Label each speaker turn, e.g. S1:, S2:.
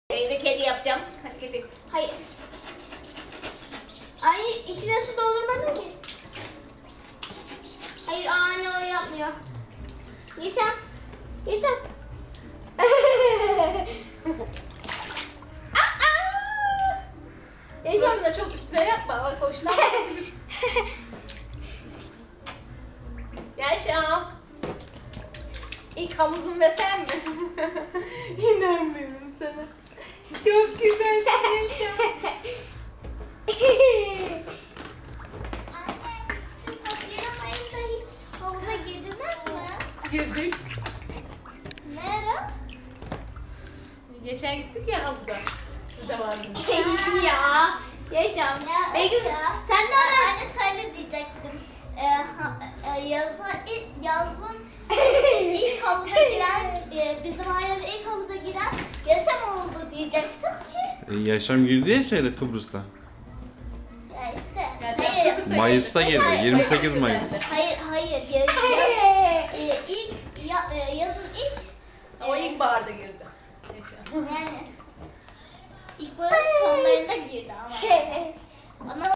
S1: Evde kedi yapacağım. Hadi kedi.
S2: Hayır. Ay içine su doldurmadın ki. Hayır anne o yapmıyor. Yeşem. Yeşem. Yeşem.
S1: Fırtına çok üstüne yapma. Bak hoşlanma. Yaşam. İlk havuzun ve sen mi? İnanmıyorum sana. Çok güzelsin Yaşam.
S2: Anne siz Haziran ayında hiç havuza girdiniz mi?
S1: Girdik.
S2: Ne ara?
S1: Geçen gittik ya havuza. Siz de vardınız.
S2: Ya. Yaşam. Begüm sen de ara.
S3: Anne söyle diyecektim. Yazın ilk havuza giren, bizim ailede ilk havuza giren Yaşam oldu diyecektim ki.
S4: Yaşam girdi ya şeyde Kıbrıs'ta.
S3: Ya işte.
S1: Yaşam
S3: Hayır.
S1: Kıbrıs'ta
S4: Mayıs'ta girdi.
S3: Hayır,
S4: 28 Mayıs.
S3: Hayır. Yazın ilk.
S1: O ilkbaharda girdi. Yaşam.
S3: Yani ilkbaharın sonlarında girdi ama. Ama